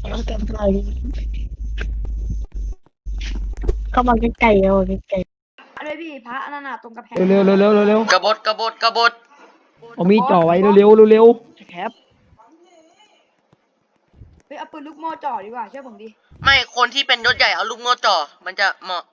เอากันไปเข้ามาใกล้ๆเอาใกล้ด้วยพี่พระอนันต์ตรงกระแพงเร็วเร็วเร็วเร็วเร็วกบฏกบฏกบฏเอามีดจ่อไว้เร็วเร็วเร็วเร็วแคปเฮ้ยเอาปืนลูกโม่จ่อดีกว่าเชื่อผมดิไม่คนที่เป็นยศใหญ่เอาลูกโม่จ่อมันจะเหมาะ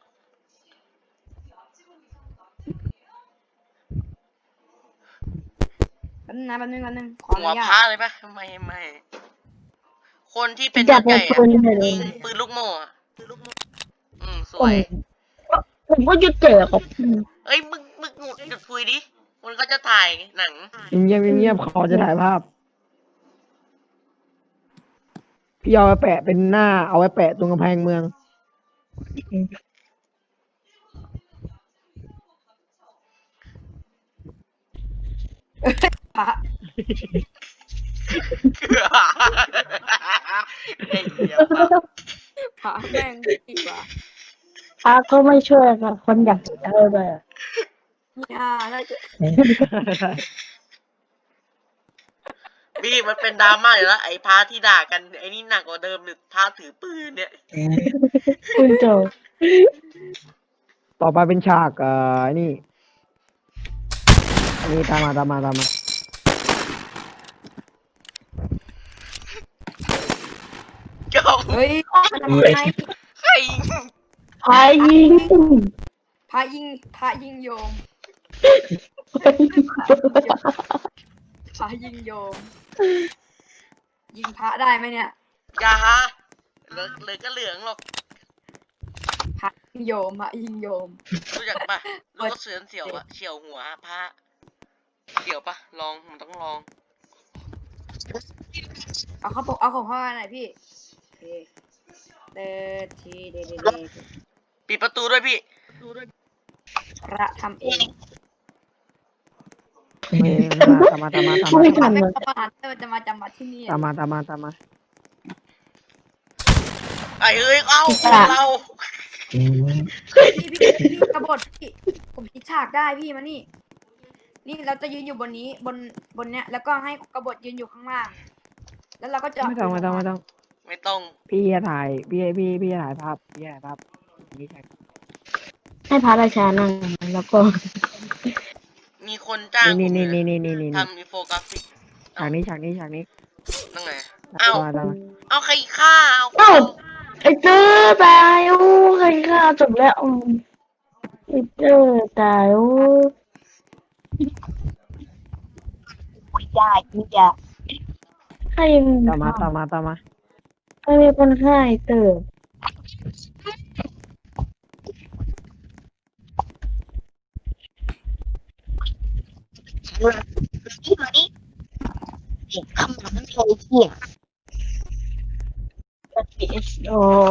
แป๊บนึงขออหันุวญาพระตเลยปะไม่คนที่เป็นๆอยากยศใหญ่ปืนเลยยิงปืนลูกโม่อะสผวยผมก็จะเจอครับเอ้ยมึงหยุดคุยดิมันก็จะถ่ายหนังเงียบเงียบขอจะถ่ายภาพพี่เอาไว้แปะเป็นหน้าเอาไว้แปะตรงกำแพงเมืองพระไอ้เหี้ยปะพระแม่งดีกว่าพาก็ไม่ช่วยค่ะคนอยากจะได้ไปอะเนี่ยถ้าจะพี่มันเป็นดราม่าอยู่แล้วไอ้พระที่ด่ากันไอ้นี่หนักกว่าเดิมหรือพระถือปืนเนี่ยคุณโจต่อไปเป็นฉากไอ้นี่อันนี้ตามมาตามมาตามมาก็เฮ้ยมันทำไมใครพายยิงพระยิงโยมพระยิงโยม ยิงพระได้ไหมเนี่ยอย่าฮะเหลือก็เหลืองหรอกพระยิงโยมพระยิงโยมรู้จักปะรู้ว่าเสือนเสียวอะเฉียวหัวพระเสียวปะลองมันต้องลองเอาของเข้ามาหน่อยพี่โอเคเดินทีเดนปิดประตูด้วยพี่พระทำเองตามมาตามมาตามไม่มาทันไม่เลยประหารเธอจะมาจำวัดที่นี่ตามมาตามมาตามมาไอ้เอ้ยเอ้าเราพี่กบฏพี่ผมคิดฉากได้พี่มานี่ นี่เราจะยืนอยู่บนนี้บนเนี้ยแล้วก็ให้กบฏยืนอยู่ข้างล่าง แล้วเราก็จะไม่ต้องไม่ต้องไม่ต้องไม่ต้องพี่จะถ่ายพี่จะถ่ายภาพพี่จะถ่ายภาพนี่ใช่ให้พระราชานั่งแล้วก็มีคนจ้างผมนี่เลยนี่ทำอินโฟกราฟิกฉากนี้ฉากนี้นั่งไงเอ้าตามมาเอาใครฆ่าเอาเอ้าไอ้เจ้อตายโอ้ใครฆ่าจบแล้วไอ้เจ้อตายโอ้ยากจริงจ้ะใครตามมาตามมาตามมาใครเป็นคนฆ่าไอ้เจ้อที่มาดิคำถามนั้นเลยที่โอ้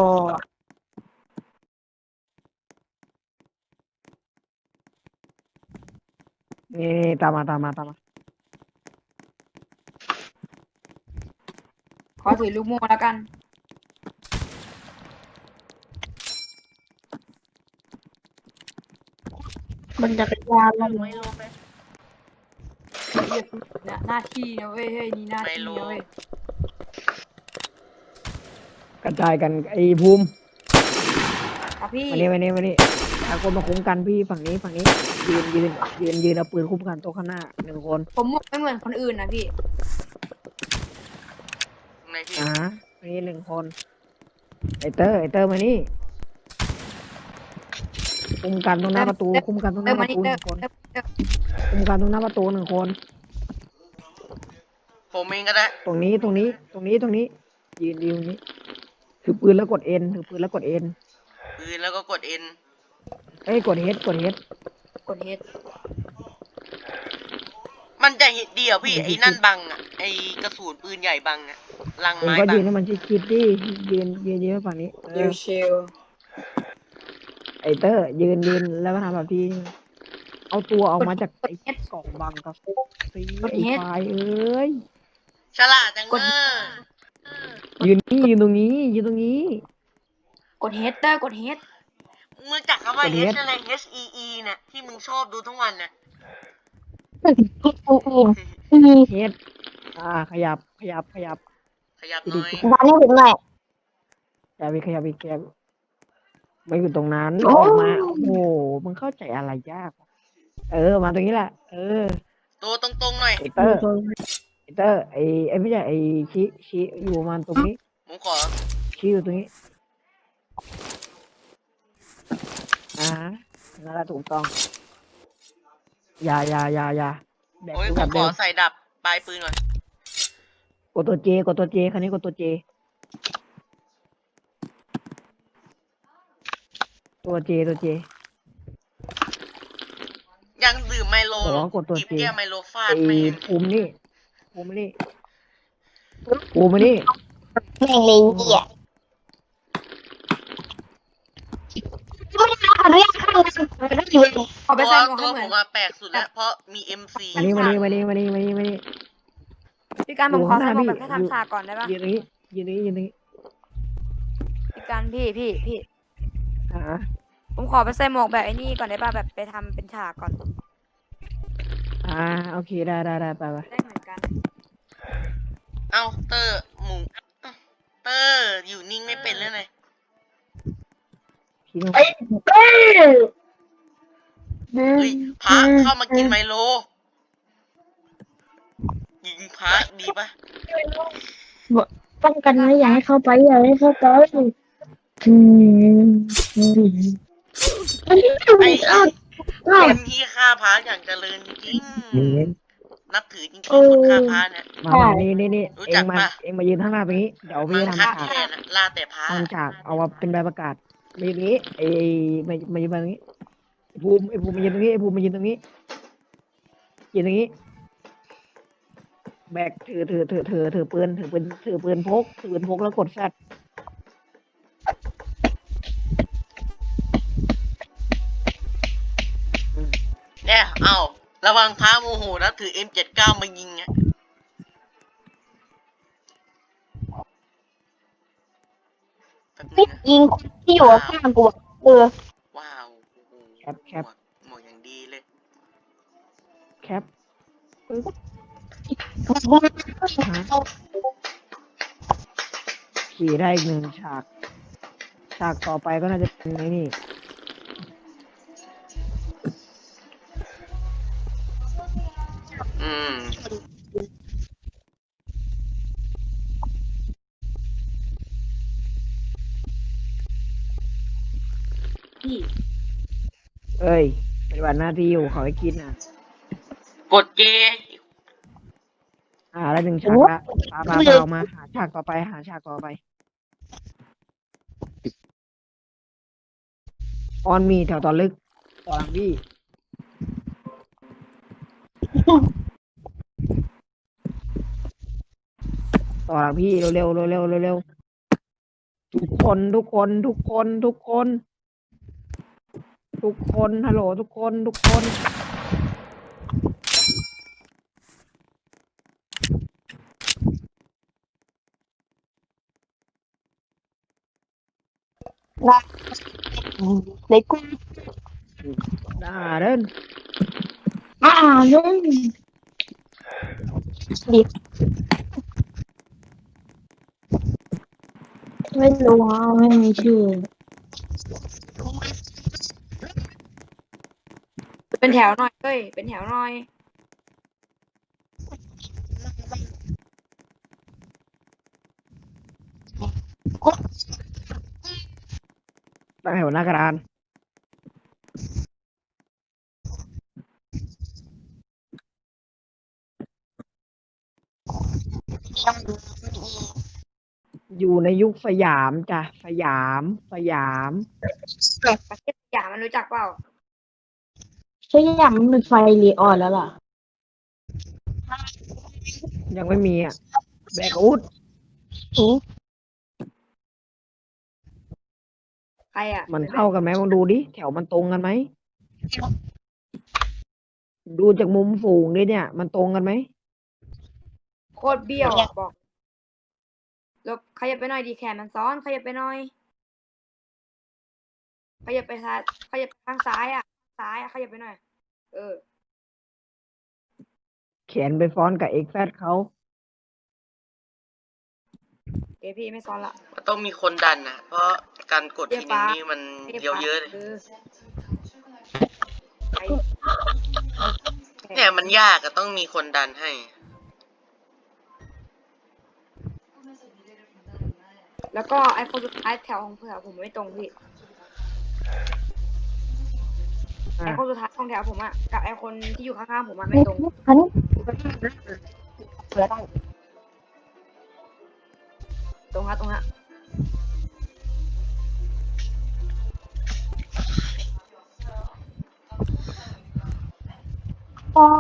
นี่ตามมาตามมาตามมาขอถือลูกโม่แล้วกันมันจักรยานมันไม่ลงไปเนี่ยหน้าที่นะเว้ยเฮ้ยนี่หน้าที่นะเว้ยกระจายกันไอ้ภูมิครับพี่มานี่ตะโกนมาคุ้มกันพี่ฝั่งนี้ยืนเอาปืนคุ้มกันโต๊ะข้างหน้าหนึ่งคนผมไม่เหมือนคนอื่นนะพี่ในพี่อันนี้หนึ่งคนไอเตอร์มานี่คุ้มกันตรงหน้าประตูคุ้มกันตรงหเติน้าม ปมาระนี่ตูหเตินึ่มงคนเติมเติมคุ้มกันตรงหน้าประตูหนึ่งคนผมเองก็ได้ตรงนี้ยืนตรงนี้ถือปืนแล้วกดเอ็นปืนแล้วก็กดเอ็นเอ้ยกดเฮดกดเฮดมันจะเห็นเดียวพี่ไอ้นั่นบังอ่ะไอ้กระสุนปืนใหญ่บังอ่ะลังเองไม้ก็บัยืงนให้มันชิดๆดิยืนฝั่งนี้ชิวไอเตอร์ยืนแล้วก็ทำแบบที่เอาตัวออกมาจากไอ้กล่องบังกับสีไอ้ไฟเอ้ยฉลาดจังเนอะยืนตรงนี้กดเฮดเตอร์กดเฮดมึงจักคำว่ากด H อะไร H E E เนี่ยที่มึงชอบดูทั้งวันเนี่ยเฮดขยับขยับหน่อยดันให้ถึงหน่อยขยับไม่อยู่ตรงนั้นโอ้ออกมาโอ้โหมึงเข้าใจอะไรยากวะมาตรงนี้แหละตัวตรงๆหน่อยไอเตอร์ไอไม่ใช่ไอชี้อยู่ประมาณตรงนี้ผมขอชี้อยู่ตรงนี้นั่นแหละถูกต้องอย่าแบกโอ้ยกูผแบมบขเดิอมใส่ดับปลายปืนหน่อยกดตัวเจคันนี้กดตัวเจตัวเจยังดื่มไมโลบอกว่ากดตัวหยิบ J แก้วไมโลฟาไอดแม่งภูมินี่ภูมินี่แม่งเลยเหี้ยไม่ได้รับอนุญาตเข้าเลยได้อยู่เลยขอไปตัวใส่หมวกตัให้วเหมืผอนมมาแปลกสุดแล้ว เพราะมี MC มานี่พี่การผมขอใส่หมวกอยู่แบบข้างหน้าพี่แค่ทำฉากก่อนได้ปะยืนตรงนี้ยืนตรงนี้พี่การพี่อ่าผมขอไปใส่หมวกแบบไอ้นี่ก่อนได้ปะแบบไปทำเป็นฉากก่อนโอเคได้ไปได้เหมือนกันเอ้าเตอร์หมูเอ้าเตอร์อยู่นิ่งไม่เป็นเลยไงพี่ต้องเอ้ยเฮ้ยพระเข้ามากินไมโล ยิงพระดีปะป้องกันไว้อย่าให้เข้าไปอืมไอ้อ้าวคนที่ฆ่าพระอย่างเจริญจริง นับถือจริงๆคนฆ่าพระเนี่ยมานี่รู้เอจังกมาปะเองมายืนข้างหน้าตรงนี้เดี๋ยวพี่มังจะคะทำฉากแทนอะล่าแต่พระทำฉากเอามาเป็นใบประกาศมายืนตรงนี้มายืนตรงนี้ไอภูมิมายืนตรงนี้มายืนตรงนี้แบกถือปืนพกแล้วกดแฟลชเนี่ย เอ้าระวังพระโมโหนะถือ M79 มายิงอะแป๊บนึงนะยิงที่อยู่ข้างกูอะว้าวโอ้โหแคปหมวกอย่างดีเลยแคปขี่ได้อีกหนึ่งฉากต่อไปก็น่าจะเป็นไอ้นี่อืมพี่ปฏิบัติหน้าที่อยู่เขาให้กินอ่ะกดเจแล้วหนึ่งฉากละปาออกมาหาฉากต่อไปออนมีแถวตอนลึกต่อหลังพี่เร็วทุกคนฮัลโหลทุกคนในกูเดินนุ่มดิไม่รู้ว่าไม่มีชื่อเป็นแถวหน่อยเฮ้ยเป็นแถวหน่อยตั้งแถวหน้ากระดานอยู่ในยุคสยามจ้ะสยามประเทศสยามมันรู้จักเปล่าใช่ยังมันเป็นไฟรีออนแล้วล่ะยังไม่มีอ่ะแบกอาวุธใครอ่ะมันเข้ากันไหมลองดูดิแถวมันตรงกันไหมดูจากมุมสูงดิเนี่ย มันตรงกันไหมโคตรเบี้ยวอะบอกลบขยับไปหน่อยดีแขนมันซ้อนขยับไปหน่อยขยับไปซ้ายขยับทางซ้ายอ่ะขยับไปหน่อยเออแขนไปฟ้อนกับเอ็กแฟดเขาพี่ไม่ซ้อนละมันต้องมีคนดันนะเพราะการกดทีนึงนี่มันเรียกเดียวปะเยอะเลยไปเนี่ยมันยากก็ต้องมีคนดันให้แล้วก็ไอคนสุดท้ายแถวของผมไม่ตรงพี่ ไอคนสุดท้ายของแถวผมอะกับไอคนที่อยู่ข้างๆผมอะไม่ตรงอันนี้ตรงฮะตรงฮะปอ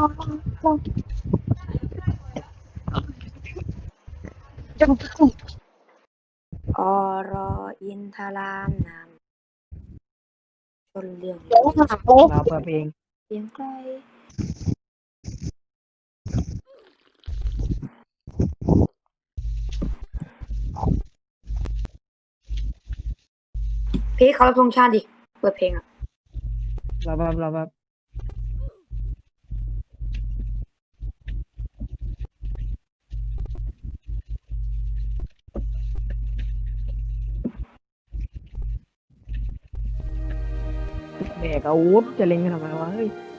จังอรออินทรามนามชนเรื่องเดี๋ยวหาโอ้เราเปิดเพลงเพียงไกลพี่เขารับธงชาติดิ เปิดเพลงอะเราแบบแบกอาวุธจะเล็งกันทำไมวะเฮ้ย